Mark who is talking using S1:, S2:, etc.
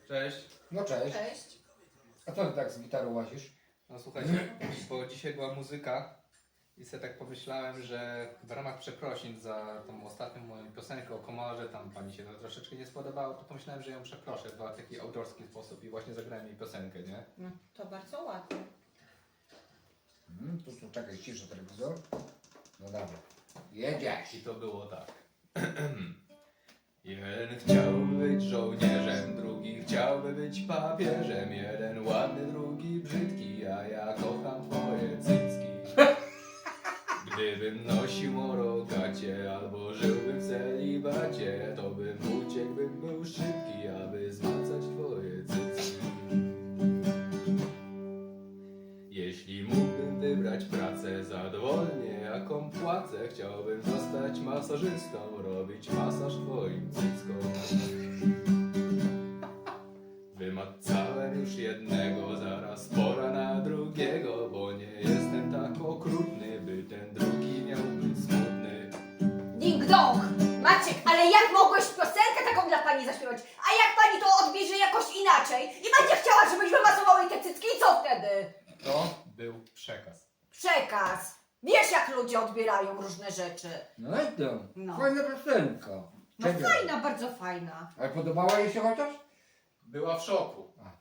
S1: Cześć.
S2: No cześć.
S3: Cześć.
S2: A co ty tak z gitarą łazisz?
S1: No słuchajcie, bo dzisiaj była muzyka i sobie tak pomyślałem, że w ramach przeprosin za tą ostatnią moją piosenkę o komorze, tam pani się to troszeczkę nie spodobało, to pomyślałem, że ją przeproszę w taki autorski sposób i właśnie zagrałem jej piosenkę, nie?
S3: No, to bardzo ładnie.
S2: Tu czekaj, ciszę telewizor. No dobra. Jedziesz.
S1: I to było tak. Jeden chciałby być żołnierzem, drugi chciałby być papieżem. Jeden ładny, drugi brzydki, a ja kocham twoje cycki. Gdybym nosił morogacie albo żyłbym w celibacie, to bym uciekł, bym był szybki, aby zmacać twoje cycki. Jeśli mógłbym wybrać pracę za dowolnie jaką płacę, chciałbym zostać masażystą, robić masaż twoim cyckom. Wymacałem już jednego, zaraz pora na drugiego, bo nie jestem tak okrutny, by ten drugi miał być smutny.
S4: Ding dong! Maciek, ale jak mogłeś piosenkę taką dla pani zaśpiewać? A jak pani to odbierze jakoś inaczej? I będzie chciała, żebyś wymasował jej te cycki i co wtedy?
S1: To był przekaz.
S4: Przekaz. Wiesz, jak ludzie odbierają różne rzeczy.
S2: No i to.
S4: No.
S2: Fajna piosenka.
S4: No
S2: Czekaj.
S4: fajna, bardzo fajna.
S2: Ale podobała jej się chociaż?
S1: Była w szoku.
S2: A.